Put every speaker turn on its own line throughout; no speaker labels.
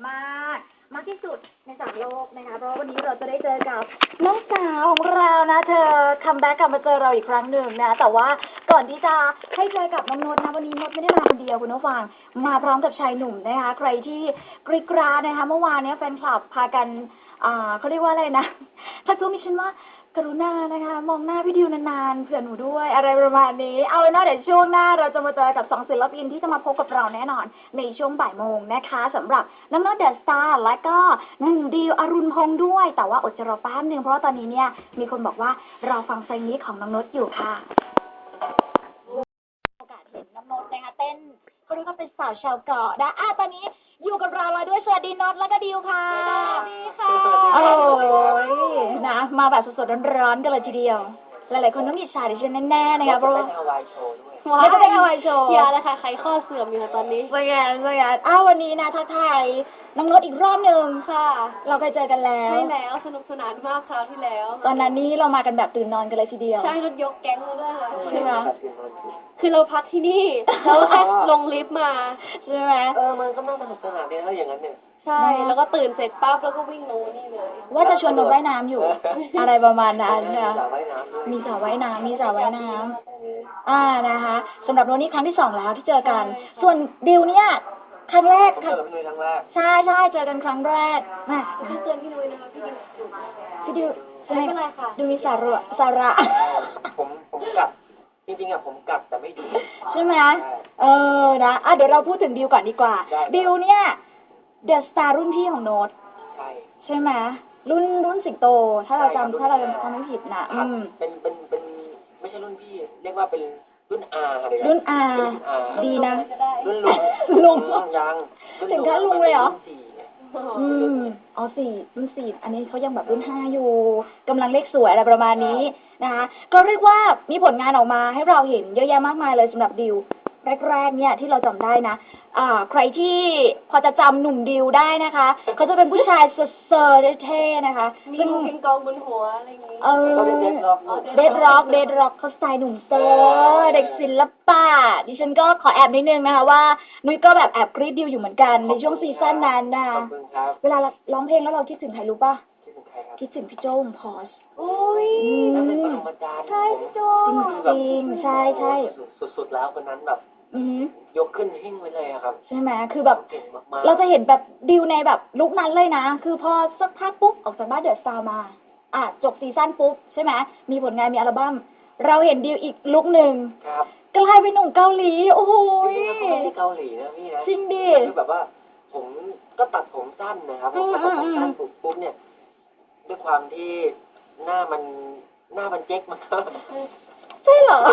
มากมากที่สุดใน3 โลกนะคะเพราะวันนี้เราจะได้เจอกับน้องสาวของเรานะเธอคัมแบ็กกลับมาเจอเราอีกครั้งหนึ่งนะแต่ว่าก่อนที่จะให้เจอกับน้องนนท์นะวันนี้นนท์ไม่ได้มาคนเดียวคุณผู้ฟังมาพร้อมกับชายหนุ่มนะคะใครที่กรี๊ดกราดนะคะเมื่อวานนี้แฟนคลับพากันเขาเรียกว่าอะไรนะถ้ากูมีฉันว่ากรุณานะคะมองหน้าพี่ดิวนานๆเผื่อหนูด้วยอะไรประมาณนี้เอาเป็นว่าเดี๋ยวช่วงหน้าเราจะมาเจอกับ2 ศิลปินที่จะมาพบกับเราแน่นอนในช่วงบ่ายโมงนะคะสำหรับน้องโน้ตเดอะสตาร์และก็น้องดิวอรุณพงษ์ด้วยแต่ว่าอดใจรอแป๊บนึงเพราะว่าตอนนี้เนี่ยมีคนบอกว่าเราฟังเพลงนี้ของน้องโน้ตอยู่ค่ะโอกาสเห็นน้องโน้ตนะคะเต้นเขาเรียกว่าเป็นสาวชาวเกาะนะตอนนี้อยู่กับเราแล้วด้วยสวัสดีโน้ตและก็ดิวค่ะสวัสดีค่ะโอ้ยนะมาแบบสดๆร้อนๆกันเลยทีเดียวหลายๆคนต้องอิจฉาดิฉันแน่ๆนะคะเพราะว่าไม่ได้เป็นฮาวายโชว์
อย่าเลยค่ะใครข้อเสื่อมอยู่ตอนนี้
สยามวันนี้นะทักทายน้องโน้ตอีกรอบหนึ่งค่ะเราเคยเจอกันแล้ว
ใช่แล้วสนุกสนานมากคราวที่แล้ว
ตอนนั้นนี่เรามากันแบบตื่นนอนกันเลยทีเดียว
ใช่รถยกแก๊งมาด้วยค่ะ
ใช่ไหม
คือเราพักที่นี่เราแค่ลงลิฟต์มา
ใช่ไหม
มันก็น่าสนุกสนานดีถ้าอย่างนั้นเนี่ย
ใช่แล้วก็ตื่นเสร็จปั๊บแล้วก็วิ่งลงนี่เลย
ว่าจะชวนลงว่ายน้ำอยู่อะไรประมาณนั้นนะมีสระว่ายน้ำนะคะสำหรับโน้ตนี่ครั้งที่2แล้วที่เจอกันส่วนดิวเนี่ยครั้งแรก
เจอพี่นุ้ยครั้งแรก
ใช่เจอกันครั้งแรกมา
พี่เตือนพี่นุ้ยนะคะ
พี่ดิว
ไม่เป็นไรค่ะ
ดูมีสาระ
ผมกัดจริงๆผมกัดแต่ไม่ดู
ใช่ไหมนะเดี๋ยวเราพูดถึงดิวก่อนดีกว่าดิวเนี่ยเดอะสตาร์รุ่นพี่ของโน้ตใช่ไหมรุ่นสิงโตถ้าเราจำไม่ผิดนะ
เป็นไม่ใช่รุ่นพี่เรียกว่าเป็นรุ่นอาเลย
รุ่นอาดีนะ
รุ่น
ลุง
ยัง
ถึงขั้นลุงเลยเหรอรุ่น 4อันนี้เขายังแบบรุ่น 5อยู่กำลังเลขสวยอะไรประมาณนี้นะคะก็เรียกว่ามีผลงานออกมาให้เราเห็นเยอะแยะมากมายเลยสำหรับดิวแรกๆเนี่ยที่เราจำได้นะใครที่พอจะจำหนุ่มดิวได้นะคะเขาจะเป็นผู้ชายเซอร์เท่ๆนะคะ
ซึ่งพิงกองบนหัวอะไรอย่างงี้
เดดร็อกเขาสไตล์หนุ่มเซอร์เด็กศิลปะดิฉันก็ขอแอบนิดนึงนะคะว่านุ้ยก็แบบแอบกรี๊ดดิวอยู่เหมือนกันในช่วงซีซั่นนั้นนะเวลาร้องเพลงแล้วเราคิดถึงใครรู้ป่ะคิดถึงพี่โจ้พอส
อุ้ย
ใช่พี่โจ้จริงใช่
สุดๆแล้วคนนั้นแบบยกขึ้นหิ้งไว้เลยครับ
ใช่ไหมคือแบบเราจะเห็นแบบดิวในแบบลุคนั้นเลยนะคือพอสักพักปุ๊บออกจากบ้านเดอะสตาร์มาจบซีซั่นปุ๊บใช่ไหมมีผลงานมีอัลบั้มเราเห็นดิวอีกลุคหนึ่งกลายเป็นหนุ่มเกาหลีโอ้โห
ไม่ใช่เกาหลีนะพี่นะ
จริงดิ
คือแบบว่าผมก็ตัดผมสั้นนะครับพอตัดผมสั้นปุ๊บเนี่ยด้วยความที่หน้ามันเจ๊กมันก็
ใช่เหรอ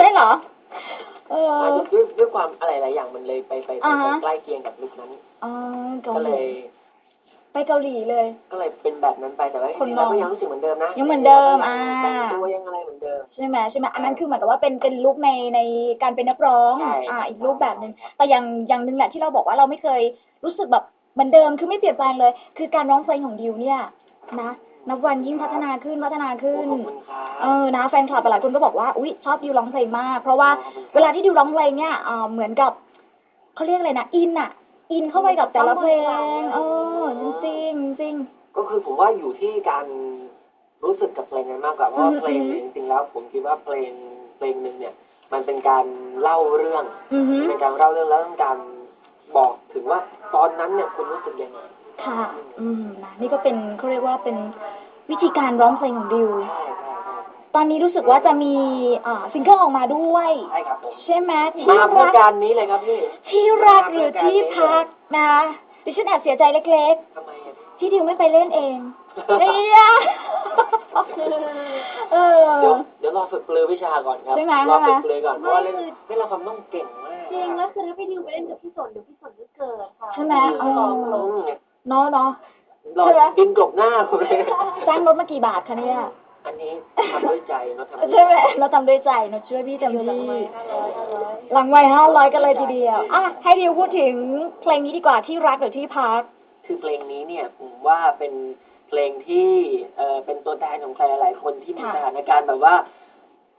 ด้วยความอะไรหลายอย่างมันเลยไปใกล้เคียงกับลุคนั้นก็เลย
ไปเกาหลีเลย
ก็เลยเป็นแบบนั้นไปแต่ว่าคนเราก็ยังรู้สึกเหมือนเดิมนะ
ยังเหมือนเดิม
แต่งตัวยังอะไรเหมือนเดิม
ใช่ไหมอันนั้นคือเหมือนกับว่าเป็นลุคในการเป็นนักร้องอีกรูปแบบนึงแต่อย่างนึงแหละที่เราบอกว่าเราไม่เคยรู้สึกแบบเหมือนเดิมคือไม่เปลี่ยนแปลงเลยคือการร้องเพลงของดิวเนี่ยนะนับวันยิ่งพัฒนาขึ้นนะแฟนคลับหลายคนก็บอกว่าอุ๊ยชอบดิวร้องเพลงมากเพราะว่าเวลาที่ดิวร้องเพลงเนี่ยเหมือนกับเขาเรียกอะไรนะอินเข้าไปกับแต่ละเพลงจริง
ก็คือผมว่าอยู่ที่การรู้สึกกับเพลงนั้นมากกว่าเพราะเพลงจริงๆแล้วผมคิดว่าเพลงนึงเนี่ยมันเป็นการเล่าเรื่องเป็นการเล่าเรื่องแล้วต้องการบอกถึงว่าตอนนั้นเนี่ยคุณรู้สึกยังไง
ค่ะนี่ก็เป็นเขาเรียกว่าเป็นวิธีการร้องเพลงของดิวตอนนี้รู้สึกว่าจะมีซิงเกิลออกมาด้วย
ใช่ครับผม
ใช่ไหม
ที่รักการนี้เลยครับพี่
ที่รักหรือที่พักนะดิฉันแอบเสียใจเล็กๆที่ดิวไม่ไปเล่นเองเ
ดี๋ยวรอฝึกปลือวิชาก่อนครับรอฝึกปลือก่อนเพราะว่าเล่นละครต้องเก่งมาก
จริงแล้วคือถ้าพี่ดิวไปเล่นกับพี่สนเดี๋ยวพี่สนจะเกิดค่ะ
ใช่ไหมเนาะ
ดินกลบหน้าผมเลย
จ้างรถมากี่บาทคะเนี่ย
อันนี้ทำด้วยใจเราทำ
ใช่ไหมเราทำด้วยใจเราช่วยพี่เต็มที่หลังไว้500กันเลยทีเดียวให้ดิวพูดถึงเพลงนี้ดีกว่าที่รักหรือที่พัก
คือเพลงนี้เนี่ยผมว่าเป็นเพลงที่เป็นตัวแทนของใครหลายคนที่มีสถานการณ์แบบว่า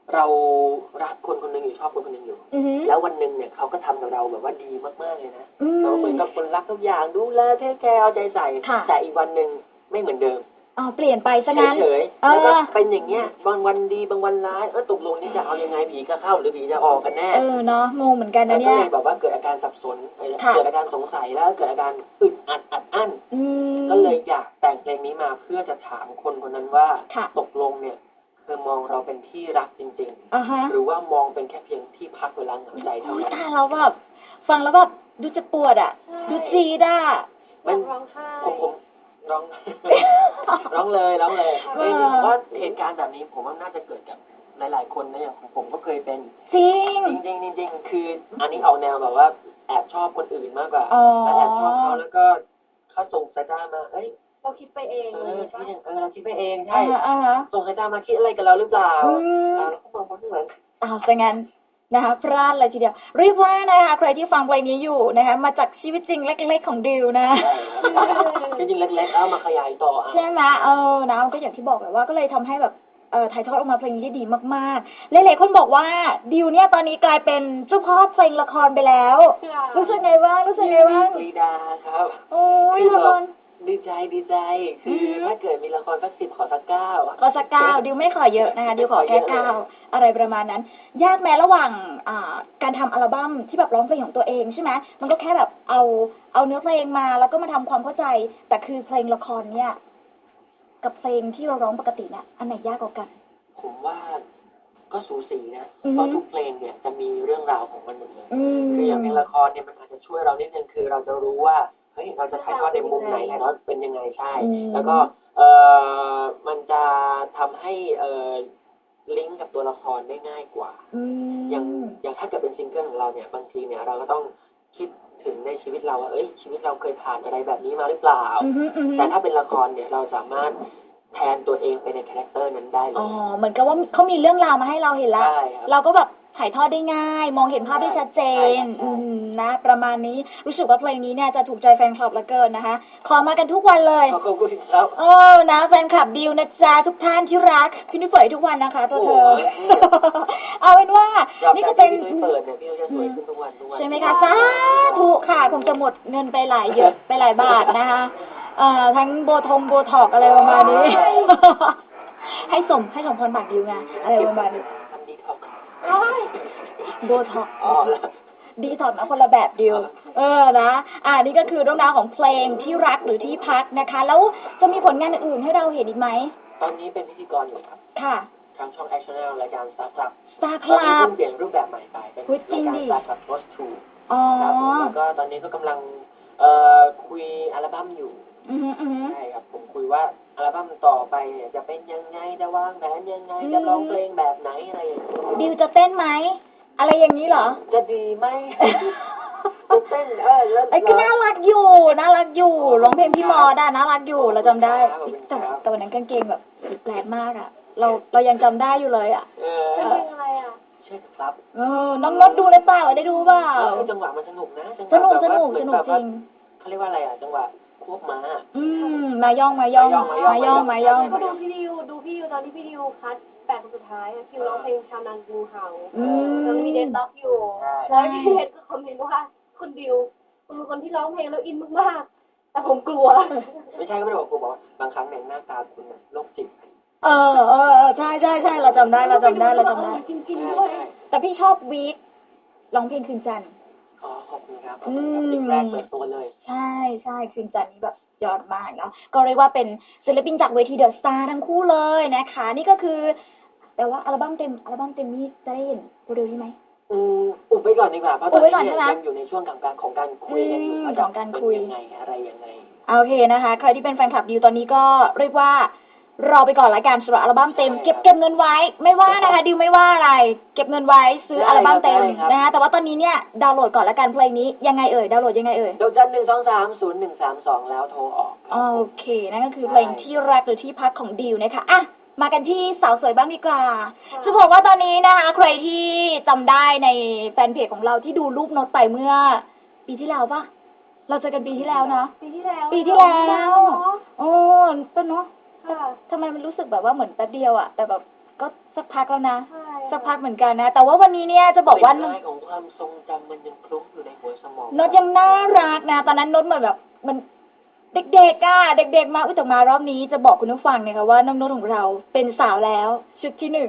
เรารักคนคนหนึ่งอยู่ชอบคนคนหนึ่งอยู่
อือหือ
แล้ววันหนึ่งเนี่ยเขาก็ทำกับเราแบบว่าดีมากๆเลยนะ
อืม
เราเหมือนกับคนรักทุกอย่างดูแลเทคแคร์เอาใจใส่
ค่ะ
แต่อีกวันหนึ่งไม่เหมือนเดิม
อ๋อเปลี่ยนไปซะงั้น
เฉย
เอ
ๆแล้วก็
อ
เป็นอย่างเงี้ยบางวันดีบางวันร้ายตกลงนี่จะเอายังไงผีจะเข้าหรือผีจะออกกันแน่
เออเนาะงงเหมือนกัน
แล้ว
นะ
ก็
เนี่ย
เลยแบบว่าเกิดอาการสับสน
ค่ะ
เกิดอาการสงสัยแล้วเกิดอาการอึดอัดอัดอั้น
อืม
ก็เลยอยากแต่งเพลงนี้มาเพื่อจะถามคนคนนั้นว่า
ค่ะ
ตกลงเนี่ยเธอมองเราเป็นที่รักจริง
อ่าฮะ
ๆ หรือว่ามองเป็นแค่เพียงที่พักเวลาเหงาใจเท่า
โอ้ย
นั้น
ตายแล้วแบบฟังแล้วแบบดูจะปวดอ่ะ ดูจีดอ่ะ
อยากร้องไห้
ผมร้อง ร้องเลยร้องเลย
เออ
ผมว่าเหตุการณ์แบบนี้ผมว่าน่าจะเกิดกับหลายๆคนนะอย่างของผมก็เคยเป็น
จริง
จริงๆคืออันนี้เอาแนวแบบว่าแอบชอบคนอื่นมากกว่า
อ๋อ
แล้วแอบชอบเขาแล้วก็เขาส่งสายตามาเอ้ย
เราคิดไปเอง
เอ
เล
อย
ปะ
เราคิดไปเองใช่
อ่าฮะ
ส่งสายตามาคิดอะไรกับเราหรือเปล่า
อืม
แล้วก็มองคนที่เหมือน
อ้าวซะงั้นนะคะพลาดเลยทีเดียวเรียกว่านะคะใครที่ฟังเพลงนี้อยู่นะคะมาจากชีวิตจริงเล็กๆของดิวนะ
จริงๆเล็กๆเอามาขยายต่ออ่ะ
ใช่ไหมนะก็อย่างที่บอกเลยว่าก็เลยทำให้แบบถ่ายทอดออกมาเพลงนี้ได้ดีมากๆหลายๆคนบอกว่าดิวเนี่ยตอนนี้กลายเป็นเจ้าพ่อเพลงละครไปแล้ว รู้สึกไงบ้างรู้สึกไงบ้าง
ปรีดาครับ
โอ้ยละคร
ดีใจคือถ้าเกิดมีละครสัก10ขอสัก9อ่ะ
ขอสักเก้าดิวไม่ขอเยอะนะคะดิวขอแค่เก้าอะไรประมาณนั้น ยากแม้ระหว่างการทำอัลบั้มที่แบบร้องเพลงของตัวเองใช่ไหมมันก็แค่แบบเอาเนื้อเพลงมาแล้วก็มาทำความเข้าใจแต่คือเพลงละครเนี่ยกับเพลงที่เราร้องปกติเนี่ยอันไหนยากกว่ากัน
ผมว่าก็สูสีนะ
อือฮึ
เพราะทุกเพลงเนี่ยจะมีเรื่องราวของมันหมดเลย
ม
คืออย่างเพลงละครเนี่ยมันอาจจะช่วยเรานิดนึงคือเราจะรู้ว่าเฮ้ยเราจะถ่ายทอดในมุมไหนแล้วเป็นยังไงใช่ แล้วก็มันจะทำให้ลิงก์กับตัวละครได้ง่ายกว่า อย่างถ้าเกิดเป็นซิงเกิลของเราเนี่ยบางทีเนี่ยเราก็ต้องคิดถึงในชีวิตเราว่าเอ้ยชีวิตเราเคยผ่านอะไรแบบนี้มาหรือเปล่า แต่ถ้าเป็นละครเนี่ยเราสามารถแทนตัวเองไปในคาแรคเตอร์นั้นได้เล
อ๋อย เหมือนกับว่าเขามีเรื่องราวมาให้เราเห็นแล้ว
ใช่ครับ
เราก็แบบถ่ายทอดได้ง่าย มองเห็นภาพได้ชัดเจน
ใช่ครับ
นะ ประมาณนี้รู้สึกว่าเพลงนี้เนี่ยจะถูกใจแฟนคลับเหลือเกินนะคะ ขอมากันทุกวันเลย
ขอบคุณครับ
นะแฟนคลับดิวนะจ๊ะทุกท่านที่รักพี่นุ้ยเปิดทุกวันนะคะตัวเธอ
โอ้ย
เอาเป็นว่า นี่ก็เป็น
พี่นุ้ยเปิดเนี่ยพี่นุ้ยจะสวยขึ้นทุกวัน
ใช่ไหมคะสาธุค่ะคงจะหมดเงินไปหลายเยอะไปหลายบาทนะคะทั้งโบท็อกอะไรประมาณนี้ ให้สมพรบัตรดิวไงอะไรประมาณนี้
ทำดีท็อกซ์
โบท็อก
อ๋อแล้ว
ดีถอดมาคนละแบบดิวนะนี่ก็คือเรื่องราวของเพลงที่รักหรือที่พักนะคะ แล้วจะมีผลงานอื่นๆให้เราเห็นอีกไหม
ตอนนี้เป็นพิธีกรอยู่ครับ
ค่ะ
ทางช่อง Action Channel รายการ Star Club
Star
ตอนนี้
Club
เพิ่งเปลี่ยนรูปแบบใหม่ไปเป็น
อุ๊ยจริ
ราย
ง
การ
ดิ
Star Club Post 2
อ๋อ
ครับผมแล้วก็ตอนนี้ก็กำลังคุยอัลบั้มอยู่
อือหือ
ใช่ครับผมคุยว่าอัลบั้มต่อไปเนี่ยจะเป็นยังไงจะวางแผนยังไงจะร้องเพลงแบบไหนอะไรอย่างเงี้ย
ดิวจะเต้นไหมอะไรอย่างนี้เหรอ
จะดีไหม จะเต้นแล้ว
ไอ้ก็น่ารักอยู่ร้องเพลงพี่มอดน่ารักอยู่เราจำได้แต่วันนั้นกางเกงแบบแปลกมากอ่ะ เรายังจำได้อยู่เลยอ่ะ
เป็นเพลงอะไรอ่ะ
ใช่ครับ
น้องนดดูเลยเปล่าได้ดูเปล่า
จังหวะมันสนุกนะ
สนุก
แบบว่า
จริง
เขาเรียกว่าอะไรอ่ะจังหวะควบม้า
มาย่อง
ก็ดูพี่ดิวตอนที่พี่ดิวคัด8คนสุดท้ายอะคิวร้องเพลงชาวนางูเห่าแล้วมีเดนต็อกอยู่แล้วพี่เดนก็คอมเมนต์ว่าคุณดิวคุณเป็นคนที่ร้องเพลงแล้วอินมากๆแต่ผมกลัว
ไม่ใช่ก็ไม่ได้บอกกูบอกว่าบางครั้งในยหน้าตาคุณน่ะโรคจิต
ใช่เราจำได้
จริงๆด้วย
แต่พี่ชอบวีคร้องเพลงคืนจันทร์
อ๋อขอบคุณครับเพลงแรกเปิดตัวเลย
ใช่คืนจันทร์นี้แบบยอดมากเนาะก็เรียกว่าเป็นศิลปินจากเวทีเดอะสตาร์ทั้งคู่เลยนะคะ นี่ก็คือ แต่ว่าอัลบั้มเต็มนี้จะได้เห็นเร็วๆนี้ไหม
อุบไว้ก่อนดีกว่าเพราะตอนนี้เนี่ยยังอยู่ในช่วงของการคุยกันอยู่ว่าจะเป็นยังไงอะไรยังไง
โอเคนะคะใครที่เป็นแฟนคลับดิวตอนนี้ก็เรียกว่ารอไปก่อนละกันสำหรับอัลบั้มเต็มเก็บเงินไว้ไม่ว่านะคะดิวไม่ว่าอะไร เก็บเงินไว้ซื้ออัลบั้มเต็มนะคะแต่ว่าตอนนี้เนี่ยดาวน์โหลดก่อนละกันเพลงนี้ยังไงเอ่ยดาวน์โหลดยังไงเอ่ย
ดอกจัน1230132แล้วโทรออก
โอเคนั่นก็คือเพลงที่รักหรือที่พักของดิวนะคะอ่ะมากันที่สาวสวยบ้างดีกว่าจะบอกว่าตอนนี้นะคะใครที่จำได้ในแฟนเพจของเราที่ดูรูปโน้ตไปเมื่อปีที่แล้วปะเราเจอกันปีที่แล้วนะ
ปีที่แล้ว
โอ้ต้นเนาะ
ค่ะ
ทำไมมันรู้สึกแบบว่าเหมือนแป๊บเดียวอะแต่แบบก็สักพักแล้วนะ
ใช่
แฟสักพักเหมือนกันนะแต่ว่าวันนี้เนี่ยจะบอกว่า
เป็นลายของความทรงจำมันยังคลุ้งอยู่ในหัวสมอง
นดยังน่ารักนะตอนนั้นนดเหมือนแบบมันเด็กๆอ่ะเด็กๆมาแต่มารอบนี้จะบอกคุณผู้ฟังนะคะว่าน้องนดของเราเป็นสาวแล้วชุดที่หนึ่ง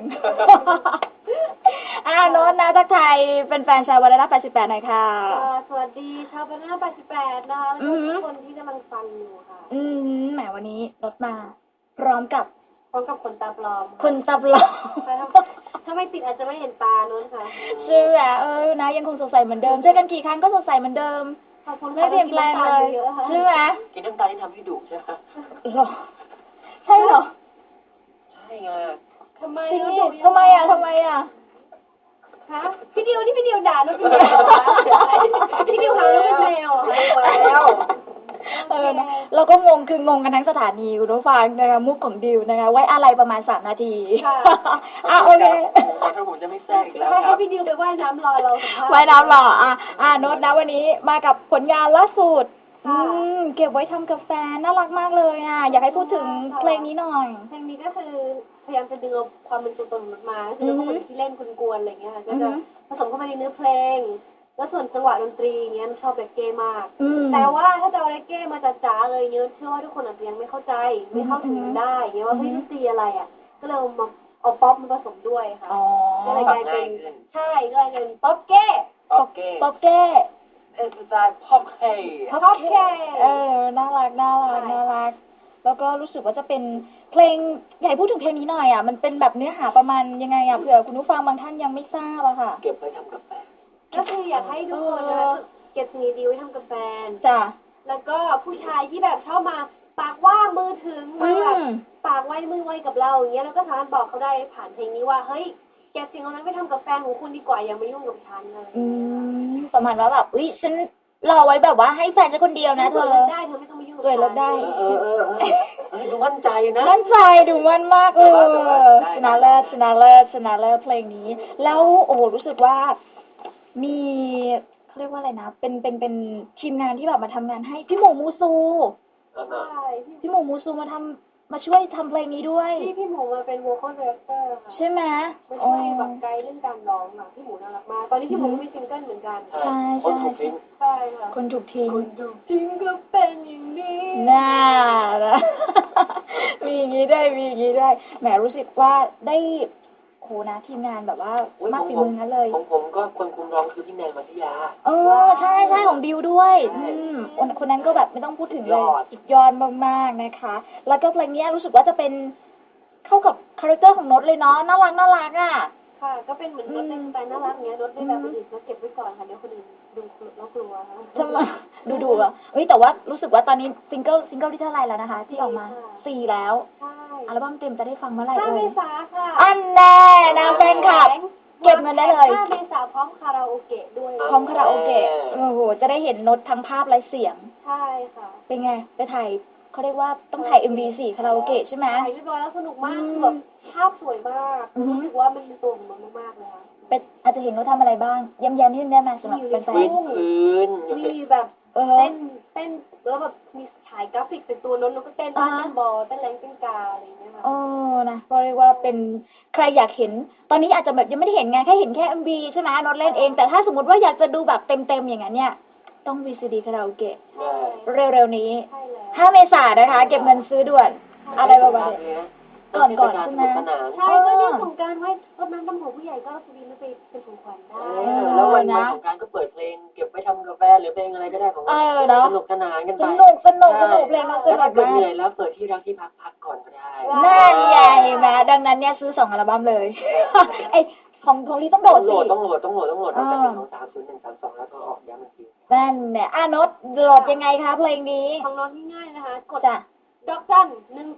นดนะทักทายเป็นแฟนชาววาระ88หน่อยค่ะ
สวัสดีชาวบ้าน88นะคะแล้วก็ทุกคนที่กำลังฟังอยู่ค่ะ
แหมวันนี้นดมาพร้อมกับ
พร้อมกับคนตาปลอม
คนตับหลอก
ถ้าไม่ติดอาจจะไม่เห็นตานู้นค่ะ
ใช่ไหมนะยังคงสดใสเหมือนเดิมเจอกันกี่ครั้งก็สดใสเหมือนเดิม
ขอบคุณ
ไม่เปลี่ยนแปลงเลยใช่ไหม
กินน้ำตาลที่ทำให้ดุใช่ไหม
หรอใช่เหรอ
ใช่ไง
ทำไม
จริงดิทำไมอ่ะ
ฮะพี่ดิวนี่พี่ดิวด่านู้นเป็นแมวพี่ดิวหานู้นเป็นแมว
แล้ว
นะเราก็งงคืองงกันทั้งสถานีคุณผู้ฟังนะคะมุกของดิวนะคะไว้อะไรประมาณ3 นาทีโอเค
ถ้าผมจะไม่แทรกอีกแล้วค
ให้
รับ
พี่ดิวไปว่ายน้ำรอเราสัมภาษณ์
ไว้น้ำหล่อโน้ตนะวันนี้มากับผลงานล่าสุดเก็บไว้ทำกับแฟนน่ารักมากเลยอยากให้พูดถึงเพลงนี้หน่อย
เพลงนี้ก็คือพยายามจะดึงเอาความเป็นตัวตนของมันมาคือพวกคนที่เล่นกวนๆอะไรเงี้ยค่ะก็จะผสมเข้ามาในเนื้อเพลง แล้วส่วนจังหวะดนตรีเงี้ยชอบเรกเก้มาก แต่ว่าถ้าจะเอาเรกเก้มาจ๋าๆเลยเนี้ยเชื่อว่าทุกคนอาจจะยังไม่เข้าใจไม่เข้าถึงมันได้เงี้ยว่าเฮ้ยดนตรีอะไรอ่ะก็เลยมาเอาป๊อปมาผสมด้วยค่ะก็เลยกลายเป็นใช่ก็เลยเป็นป๊อปเก้
โอเค
ป๊อปเก้
เป็นสไตล์พ็อปเฮ้
ป๊อปเก้
น่ารักแล้วก็รู้สึกว่าจะเป็นเพลงอยากให้พูดถึงเพลงนี้หน่อยมันเป็นแบบเนื้อหาประมาณยังไงเผื่อคุณผู้ฟังบางท่านยังไม่ทราบอะค่ะ
เก็บไว้ทำกาแฟ
ก็คืออยากให้ทุกคนนะคะเก็บสิ่งดีๆไว้ทำกับแฟน
จ้ะ
แล้วก็ผู้ชายที่แบบชอบมาปากว่างมือถึงมาแบบปากไว้มือไว้กับเราอย่างเงี้ยแล้วก็สามารถบอกเขาได้ผ่านเพลงนี้ว่าเฮ้ยแกสิ่งเหล่านั้นไปทำกับแฟนของคุณดีกว่าอย่ามายุ่งกับฉันเลย
ประมาณว่าแบบฉันรอไว้แบบว่าให้แฟนฉันคนเดียวนะเธอ
เลิกได้เธอไม่ต้องมายุ่งกับฉัน
เลิกได้
ดูมั่นใจนะ
มั่นใจดูมั่นมากชนะเลิศเพลงนี้ แล้วโอ้โหรู้สึกว่ามีเขาเรียกว่าอะไรนะเป็นทีมงานที่แบบมาทำงานให้พี่หมูมูซู
ใช่
พี่หมูมูซูมาช่วยทำเพลงนี้ด้วย
พี่หมูมาเป็น vocal director ค่ะ
ใช่ไหม
มาช่วยแบบไกด์เรื่องการร้องอ่ะพี่หมูน่ารักมากตอนนี้พี่หมูก็มีซิงเกิลเหมือนกัน
ใช่คนถูกทิ้ง
ใช่ค่ะ
คนถูกทิ้ง
จริงก็เป็นอย่างนี้
น่านะ มีอย่างนี้ได้แหมรู้สึกว่าได้โหนะทีมงานแบบว่ามากฝีมือนั้นเลย
ของผมก็คนคุมร้องคือพี่แนนมัธยา
ใช่ของดิวด้วยคนนั้นก็แบบไม่ต้องพูดถึงเลยสุดยอดมากๆนะคะ แล้วก็เพลงนี้รู้สึกว่าจะเป็นเข้ากับคาแรคเตอร์ของโน้ตเลยเนาะน่ารักอ่ะ
ค่ะก็เป็นเหมือนรถในสไตล์น่ารักเนี้ยรถได้แบบคนอื่นก็เก็บไว้ก่อนค่ะเดี๋ยวคนอื่นดูแล้วกลัวค่ะ
จะมาดูอ่ะแต่ว่ารู้สึกว่าตอนนี้ซิงเกิลที่เท่าไหร่แล้วนะคะ ที่ออกมา4แล้ว
ใช่
อัลบั้มเต็มจะได้ฟังเมื่อไหร่
5 เมษาค่ะ
อันแน่นะแฟนคลับเก็บเงินได้เลย
5 เมษาพร้อมคาราโอเกะด้วย
พร้อมคาราโอเกะโอ้โหจะได้เห็นโน้ตทั้งภาพและเสียง
ใช่ค่ะ
เป็นไงไปถ่ายเขาเรียกว่าต้องถ่าย MV 4คาราโอเกะใช่ไหม
ถ่ายเรียบร้อยแล้วสนุกมากคือแบบภาพสวยมากรู้สึกว่ามันเป็นตัวของมันมากๆเลยค่ะ
เป็นอาจจะเห็นโน้ตทำอะไรบ้างย้ำนิดนึงได้ไหมสำหรับแฟน
พื้น
มีแบบเต้นแล้วแบบมีฉายกราฟิกเป็นตัวโน้นก็เต้นบอลเต้นแรงเต้นกาอะไรอย่างเงี้ยค่ะ
นะก็เรียกว่าเป็นใครอยากเห็นตอนนี้อาจจะแบบยังไม่ได้เห็นไงแค่เห็นแค่ MV ใช่ไหมโน้ตเล่นเองแต่ถ้าสมมติว่าอยากจะดูแบบเต็มๆอย่างนั้นเนี่ยต้อง VCD คาราโอเกะเร็วๆนี้
ใช่แล้ว
5 เมษายนนะคะเก็บเงินซื้อด่วนอะไรประมาณนี้ก่อนใช่ไหม
ใช่ก็เรื่องของการไว้รดน้ำดำหัวผู้ใหญ่ก็สวีทไปเป็นของขวัญได้
แล้ววันของการก็เปิดเพลงเก็บไว้ทำกาแฟหรือเพลงอะไรก็ได้ของสนุกสนานกันไป
สนุกเพลงมันสนุก
ถ้าเกิด
มา
เหนื่
ก
อยแล้วเปิดที่รักที่พักก่อนก็ได้
นั่นใหญ่นะดังนั้นเนี่ยซื้อ2 อัลบั้มเลยไอของที่ต้องโหลดสิ
ต้องโหลดตั้งแต่เป็นของ30-132แล้วก็ออกย้ำอีกที
นั่นเนี่ยโน้ตโหลดยังไงคะเพลงนี้
ของน้องง่ายๆนะคะกด
จ้ะ
ดอกจัน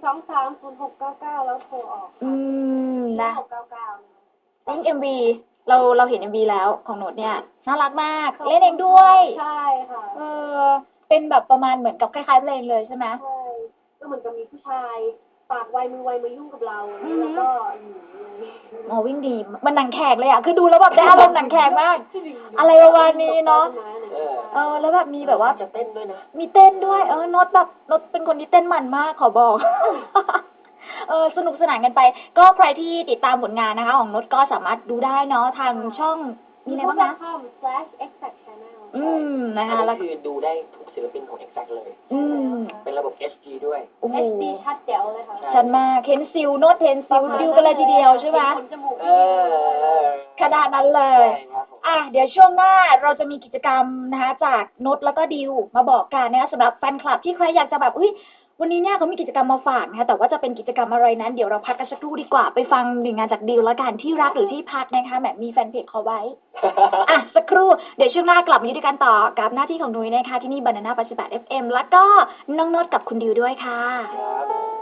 1230699แล้วโทรออก
นะ
699
ลิงก์ MV เราเห็น MV แล้วของโน้ตเนี่ยน่ารักมากเล่นเองด้วย
ใช่ค่ะ
เป็นแบบประมาณเหมือนกับคล้ายๆเพลงเลยใช่ไหม
ใช่ก็เหมือนกับมีผู้ชายปากไวมือไวมายุ่งกับเราแล้วก็
วิ่งดีมันหนังแขกเลยอ่ะคือดูแล้วแบบได้อารมณ์หนังแขกมาก อะไรประมาณนี้เนาะแล้วแบบมีแบบว่า
จะเต้นด้วยนะ
มีเต้นด้วยโน้ตเป็นคนที่เต้นมันมากขอบอกสนุกสนานกันไป ก็ใครที่ติดตามผลงานนะคะ ของนุชก็สามารถดูได้เนาะทางช่องมีอะไรบ้างนะ
youtube.com/exactchannel
นะคะ
อัน
แล้ว
นี้คือดูได้ทุกศิลปินของ Exact เลย
ๆ
เป็นระบบ HD ด้วย
โอ้โห
HD ชัดแจ๋วเลยค่ะ
ชัดมากเห็นซิลโน้ตเห็นซิลดิวกันเลยทีเดียวใช่ไหม
ขนจมูก
เออ
ขนาดนั้นเลย
ใช่ครับผม
เดี๋ยวช่วงหน้าเราจะมีกิจกรรมนะคะจากนุชแล้วก็ดิวมาบอกกันนะคะสำหรับแฟนคลับที่ใครอยากจะแบบวันนี้เนี่ยเขามีกิจกรรมมาฝากนะคะแต่ว่าจะเป็นกิจกรรมอะไรนั้นเดี๋ยวเราพักกันสักครู่ดีกว่าไปฟังหนึ่งงานจากดิวแล้วกันที่รักหรือที่พักนะคะแบบมีแฟนเพจเขาไว้ สักครู่เดี๋ยวช่วงหน้ากลับมาอยู่ด้วยกันต่อกับหน้าที่ของนุ้ยนะคะที่นี่ Banana 88 FM แล้วก็น้องโนดกับคุณดิวด้วยค่ะ
ครับ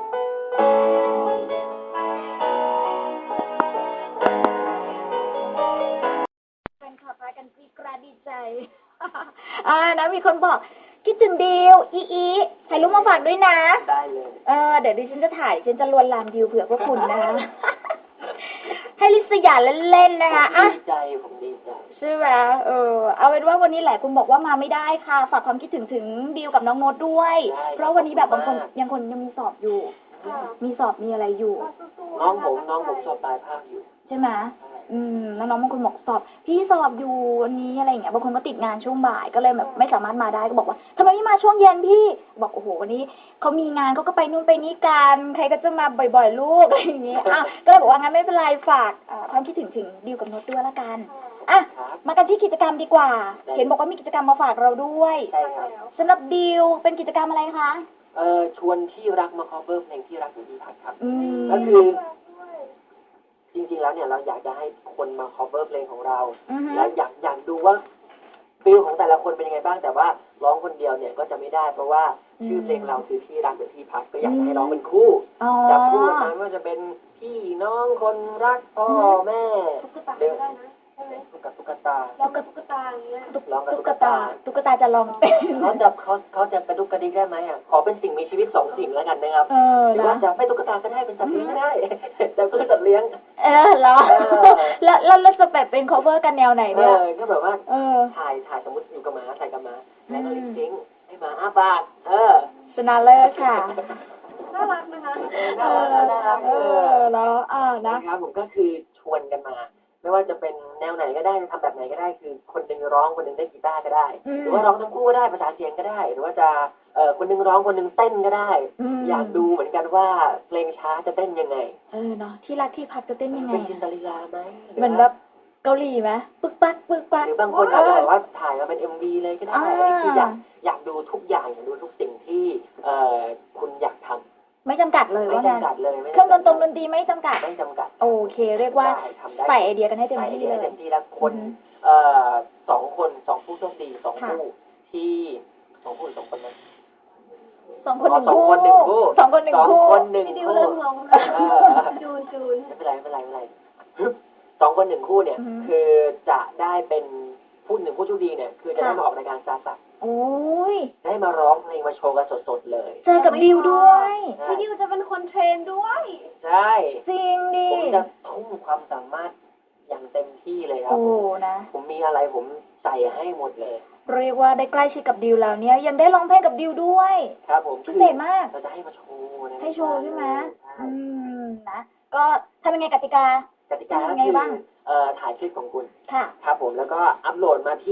แฟนคลับพากันกรี๊ดกราดดีใจ นะมีคนบอกคิดถึงดิวอีถ่ายรูปมาฝากด้วยนะ
ได้เลย
เดี๋ยวดิฉันจะถ่ายฉันจะลวนลามดิวเผื่อพวกคุณนะคะ ให้ลิสยาเล่นๆนะคะ
ดีใจผมดีใจ
ใช่ไหมเอาเป็นว่าวันนี้แหละคุณบอกว่ามาไม่ได้ค่ะ ฝากความคิดถึงดิวกับน้องโน้ตด้วย เพราะวันนี้แบบบางคนยังมีสอบอยู่ มีสอบมีอะไรอยู่
น้องผมสอบปลายภาคอยู่
ใช่ไหมแล้วน้องบางคนบอกสอบพี่สอบอยู่วันนี้อะไรอย่างเงี้ยบางคนก็ติดงานช่วงบ่ายก็เลยแบบไม่สามารถมาได้ก็บอกว่าทำไมไม่มาช่วงเย็นพี่บอกโอ้โหวันนี้เขามีงานเขาก็ไปนู่นไปนี่กันใครก็จะมาบ่อยๆลูกอะไรอย่างเงี้ยก็เลยบอกว่างั้นไม่เป็นไรฝากความคิดถึงดิวกับโน้ตด้วยละกันมากันที่กิจกรรมดีกว่าเห็นบอกว่ามีกิจกรรมมาฝากเราด้วย
ใช่ครับ
สำหรับดิวเป็นกิจกรรมอะไรคะ
ชวนที่รักมา cover เพลงที่รักอยู่ที่พักครับ
ม
ก็คือจริงๆแล้วเนี่ยเราอยากจะให้คนมา cover เพลงของเรา และอยากดูว่าฟิลของแต่ละคนเป็นยังไงบ้างแต่ว่าร้องคนเดียวเนี่ยก็จะไม่ได้เพราะว่าชื่อเพลงเราคือที่รักหรือที่พักก็อยากจะให้ร้องเป็นคู่จับคู่กันมาไม่ว่าจะเป็นพี่น้องคนรักพ่อแม่
ตุ๊กตาก็ได้นะใช่ไหม
ตุ๊กตา
เรากับตุ๊กตาอย่างเงี้ย
ร้องกับ
ตุ๊
ตุ๊
ก
ก
ตา
ตา
ตุ๊กตาจะลองเป็น
เขาจะกระดุกกระดิกได้ไหมขอเป็นสิ่งมีชีวิตสองสิ่งแล้วกันนะครับหรือว่า
นะ
จะไม่ตุ๊กตาก็ได้เป็นสัตว์เลี้ยงก็ได้แต่ก็เป็นสัตว์เลี้ยง
เหรอแล้วจะแบบเป็น cover กันแนวไหนเนี่ย
ก็แบบว่าถ่ายสมมติอยู่กับหมาถ่ายกับหมาแล้วก็ลิปซิงค์ให้หมาอ้าปาก
ชนะเลิศค่ะ
น่ารักนะคะ
น่ารัก
แล้วนะ
นะครับผมก็คือชวนกันมา ไม่ว่าจะเป็นแนวไหนก็ได้ทำแบบไหนก็ได้คือคนหนึ่งร้องคนหนึ่งได้กีตาร์ก็ได้ หรือว่าร้องทั้งคู่ก็ได้ภาษานเสียงก็ได้ หรือว่าจะคนหนึ่งร้องคนหนึ่งเต้นก็ได้ อยากดูเหมือนกันว่าเพลงช้าจะเต้นยังไง
เนาะที่รักที่พักจะเต้นยังไง
เป็นจินตลีลาไหม
เหมือนแบบเกาหลีไหมปึ๊กปักปึ๊กปัก
หรือบางคนอาจจะแบบว่าถ่ายมาเป็น MV เลยก็ได้อันนี้คืออยากดูทุกอย่างอยากดูทุกสิ่งที่คุณอยากทำ
ไม่จำกัดเลย
ไม่
ว่างั้น
จำกัดเลย
เครื่องดนตรีไม่จำกัด
ไม่จำกัด
โอเค เรียกว่าใส่ไอเดียกันให้เต็ม
ใส่ไอ
ที่
เดีย
เล
ให้
ย
เต็มที่แล้วคนสองผู้โชคดีสองคู่ที่สองคนนะ
สองคนหนึ่ง
สอง
คู่
คนหนึ่งคู่
สองคนหนึ่งคู่
พี่ดิวเริ่มงงจูน
ไม่เป็นไรสองคนหนึ่งคู่เนี่ย คือจะได้เป็นผู้หนึ่งผู้โชคดีเนี่ย คือจะได้มาออกรายการซาสัก
โอ้ย
ได้มาร้องเพลงมาโชว์กันสดๆเลย
เจอกับดิวด้วย
พี่ดิวจะเป็นคนเทรนด้วย
ใช่
จริงดิ
ผมจะทุ่มความสามารถอย่างเต็มที่เลยครับ
โอ้นะ
ผมมีอะไรผมใส่ให้หมดเลย
เรียกว่าได้ใกล้ชิดกับดิวแล้วเนี่ยยังได้ร้องเพลงกับดิวด้วย
ครับผม
พิเศษมาก
เราจะให้มาโชว์นะ
ให้โชว์ใช่ไหม
ใช่
นะก็ทำยังไงกติกา
กติกาก็
ยังไง
คือ
บ้าง
ถ่ายคลิปของคุณ
ค่ะ
ครับผมแล้วก็อัปโหลดมาที่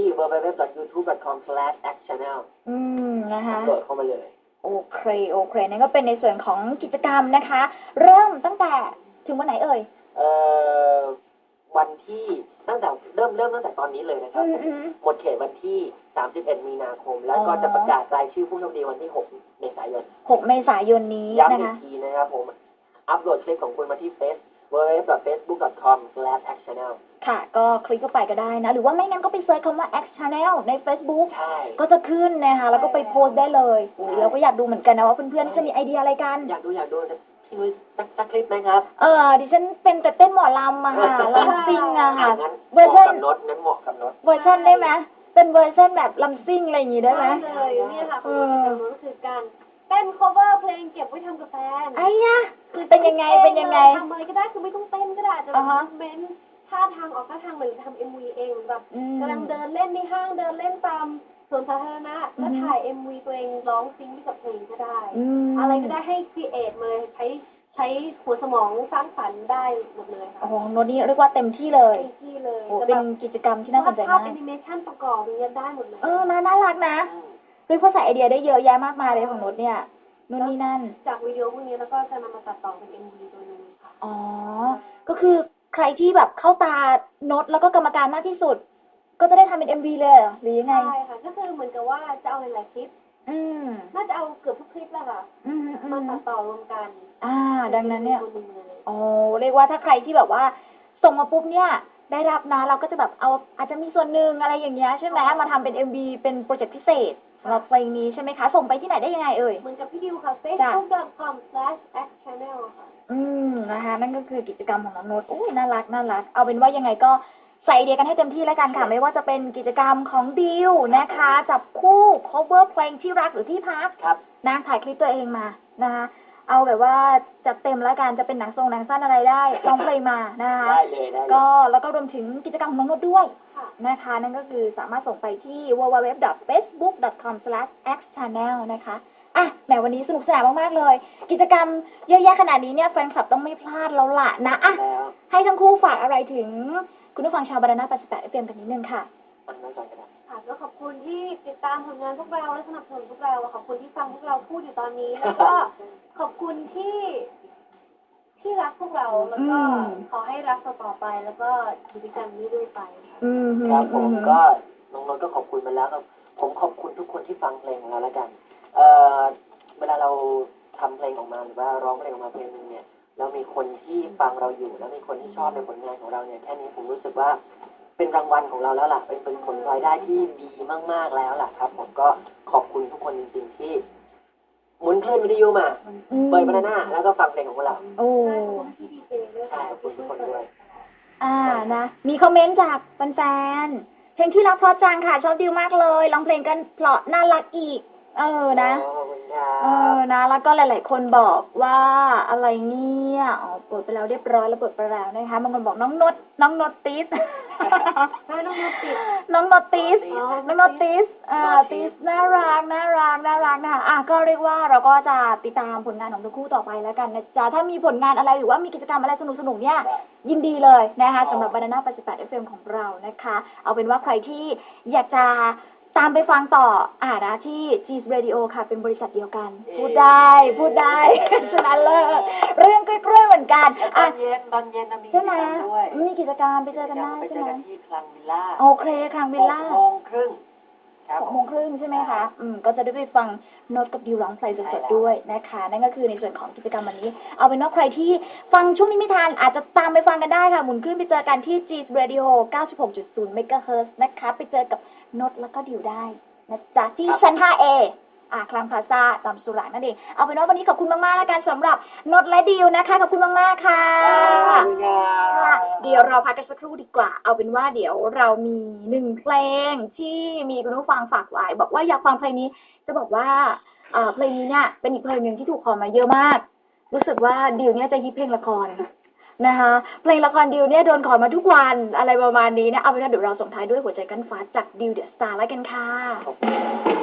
www.youtube.com/actchannel
นะคะ
อัปโหลดเข้ามาเลย
โอเคนั่นก็เป็นในส่วนของกิจกรรมนะคะ เริ่มตั้งแต่ถึงวันไหนเอ่ย
วันที่ตั้งแต่เริ่มตั้งแต่ตอนนี้เลยนะครับหมดเขตวันที่ 31 มีนาคม แล้วก็จะประกาศรายชื่อผู้โชคดีวันที่ 6 เมษายน
6 เมษายนนี้
ย้ำ
นะ
อีก
คะ
ทีนะครับผม อัปโหลดคลิปของคุณมาที่ www.facebook.com/actchannel
ค่ะ ก็คลิกเข้าไปก็ได้นะ หรือว่าไม่งั้นก็ไปเซิร์ชคำว่า X Channel ใน Facebook
ใช่
ก็จะขึ้นนะคะแล้วก็ไปโพสต์ได้เลยเราก็อยากดูเหมือนกันนะว่าเพื่อนๆจะมีไอเดียอะไรกัน
อยากดูพี่นุ้ยสักคลิปไหมครับ
ดิฉันเป็นแต่เต้นหมอลำอะค่ะลำซิ่งอะค่ะ
งั้น
เวอร์ชัน
เหมาะกับนด
เวอร์ชันได้ไหมเป็นเวอร์ชันแบบลำซิ่งอะไรอย่างงี้ได้ไหม
เลยเนี่ยค่ะคือก็คือการเต้น cover เพลงเก็บไว้ทำกับแฟน
ไอ้ยะเป็นยังไงทำ
อะไรก็ได้คือไม่ต้องเต้นก็ได้จะแบบเม้นท่าทางออกท่าทางเหมือนทำ MV เองแบบกำลังเดินเล่นในห้างเดินเล่นตามสวนสาธารณะแล้วถ่าย MV ตัวเองร้องซิงค์ไปกับเพลงก็ได้อะไรก็ได้ให้ create มาใช้ใช้หัวสมองสร้างสรรค์ได้หมดเลยค่ะ
โอ้โหโน้ตนี่เรียกว่าเต็มที่เลย
เต็มที่เลย
โอ้เป็นกิจกรรมที่น่าสนใจ
ภาพ
มาก
แอนิเมชันประกอบอย่างเงี้ยได้หมดเลย
น่ารักนะคือเขาใส่ไอเดียได้เยอะแยะมากมายเลยของโน้ตเนี่ยนู่นนี่นั่น
จากวิดีโอพวกนี้แล้วก็จะนำมาตัดต่อเป็น MV ตัวนึงค่ะ
อ๋อ ก็คือใครที่แบบเข้าตาโน้ตแล้วก็กรรมการมากที่สุด ก็จะได้ทำเป็น MV เลยเหรอหรือยังไง
ใช่ค่ะก็คือเหมือนกับว่าจะเอาหลายๆคลิป
อืม
น่าจะเอาเกือบทุกคลิปแหละค่ะ
อืม
มาตัดต่อรวมกัน
ดังนั้นเนี่ย
ป็ MV ตัวหงเลย
อ๋อ เรียกว่าถ้าใครที่แบบว่าส่งมาปุ๊บเนี่ย ได้รับนะเราก็จะแบบเอาอาจจะมีส่วนหนึ่งอะไรอย่างเงี้ยใช่ไหมมาทำเป็น MV เป็นโปรเจกต์พิเศษสำหรับเพลงนี้ใช่ไหมคะ ส่งไปที่ไหนได้ยังไงเอ่ย
เหมือนกับพี่ดิวค่ะ facebook.com/xchannel ค่ะ
นะคะ นั่นก็คือกิจกรรมของน้องโน้ตอุ้ยน่ารัก เอาเป็นว่ายังไงก็ใส่ไอเดียกันให้เต็มที่แล้วกันค่ะ ไม่ว่าจะเป็นกิจกรรมของดิวนะคะ จับคู่ cover เพลงที่รักหรือที่พัก
ครับ
นะถ่ายคลิปตัวเองมานะคะ เอาแบบว่าจัดเต็มแล้วกันจะเป็นหนังสั้นอะไรได้ร้องเพลงมานะคะ
ได้เลยได้เลย
ก็แล้วก็รวมถึงกิจกรรมของน้องโน้ตด้วย
ค่ะ
นะคะ นั่นก็คือสามารถส่งไปที่ www.facebook.com/xchannel นะคะแหมวันนี้สนุกสนานมากๆเลย กิจกรรมเยอะแยะขนาดนี้เนี่ยแฟนคลับต้องไม่พลาดแล้วล่ะนะ
แล้ว
ให้ทั้งคู่ฝากอะไรถึงคุณผู้ฟังชาวบานาน่า88 FM กันนิดนึงค่ะ
อันนั้นก่อนก็ได้
ค่ะก็ขอบคุณที่ติดตามผลงานพวกเราและสนับสนุนพวกเราขอบคุณที่ฟังพวกเราพูดอยู่ตอนนี้ แล้วก็ขอบคุณที่รักพวกเราแล้วก็ขอให้รักต่อไปแล้วก็กิจกรรมนี้ด้วยไปค่ะ
ครับผมก็น้องนนท์ก็ขอบคุณมาแล้วครับผมขอบคุณทุกคนที่ฟังเพลงของเราแล้วกันเวลาเราทำเพลงออกมาหรือว่าร้องเพลงออกมาเพลงนึงเนี่ยแล้วมีคนที่ฟังเราอยู่แล้วมีคนที่ชอบในผลงานของเราเนี่ยแค่นี้ผมรู้สึกว่าเป็นรางวัลของเราแล้วล่ะเป็นผลรายได้ที่ดีมากๆแล้วล่ะครับ ผมก็ขอบคุณทุกคนจริงๆที่หมุนคลื่นวิทยุมาเปิดบานาน่าแล้วก็ฟังเพลงของพวกเรา
โอ้
ใช่ขอบคุณพี่ดีเจด้วย
ใช่
ค่ะ
ขอบคุณทุกคนด้วย
นะ มีคอมเมนต์จากแฟนๆเพลงที่รักเพราะจังค่ะ ชอบดิวมากเลยร้องเพลงกันเพราะน่ารักอีก นะ
ขอบคุณครับ
นะ แล้วก็หลายๆคนบอกว่าอะไรเนี่ยเปิดไปแล้วเรียบร้อยแล้วเปิดไปแล้วนะคะบางคนบอกน้องนดติส
ให้น้องนติด
น้องนดติสติสน่ารักนะคะก็เรียกว่าเราก็จะติดตามผลงานของทั้งคู่ต่อไปแล้วกันนะจ๊ะถ้ามีผลงานอะไรหรือว่ามีกิจกรรมอะไรสนุกๆเนี่ยยินดีเลยนะคะสำหรับ Banana 88 FM ของเรานะคะ เอาเป็นว่าใครที่อยากจะตามไปฟังต่อนะที่ G's Radio ค่ะเป็นบริษัทเดียวกัน พูดได้ฉะนั้นเลยเรื่องใกล้ๆเหมือนกัน
ตอนเย็นมี
ใช่ไหม
กิจกรรมด้วย
มีกิจกรรมไปเจอกันได้
ไป
ใช่
เจอ
ไหม
กันที่คลังวิลล่า
โอเคครั้งวิลล่า
6:30 ครับ
6:30ใช่ไหมคะก็จะได้ไปฟังโน้ตกับดิวร้องเพลงสดๆด้วยนะคะนั่นก็คือในส่วนของกิจกรรมวันนี้เอาเป็นว่าใครที่ฟังช่วงนี้ไม่ทันอาจจะตามไปฟังกันได้ค่ะหมุนขึ้นไปเจอกันที่ G's Radio 96.0 MHz นะคะไปเจอกับโน้ตแล้วก็ดิวได้นะจ๊ะที่ชั้น 5A คลังพลาซ่าตามสุราษฎร์นั่นเองเอาเป็นว่าวันนี้ขอบคุณมากๆแล้วกันสำหรับโน้ตและดิวนะคะขอบคุณมากๆค่ะ ค่ะเดี๋ยวเราพักกันสักครู่ดีกว่า เอาเป็นว่าเดี๋ยวเรามี1เพลงที่มีคุณผู้ฟังฝากไว้บอกว่าอยากฟังเพลงนี้ จะบอกว่าเพลงนี้เนี่ยเป็นอีกเพลงหนึ่งที่ถูกขอมาเยอะมาก รู้สึกว่าดิวเนี่ยจะฮิตเพลงละครนะคะเพลงละครดิวเนี่ยโดนขอมาทุกวันอะไรประมาณนี้นะเอาเป็นว่าเดี๋ยวเราส่งท้ายด้วยหัวใจกันฟ้าจากดิวเดอะสตาร์แล้วกันค่ะ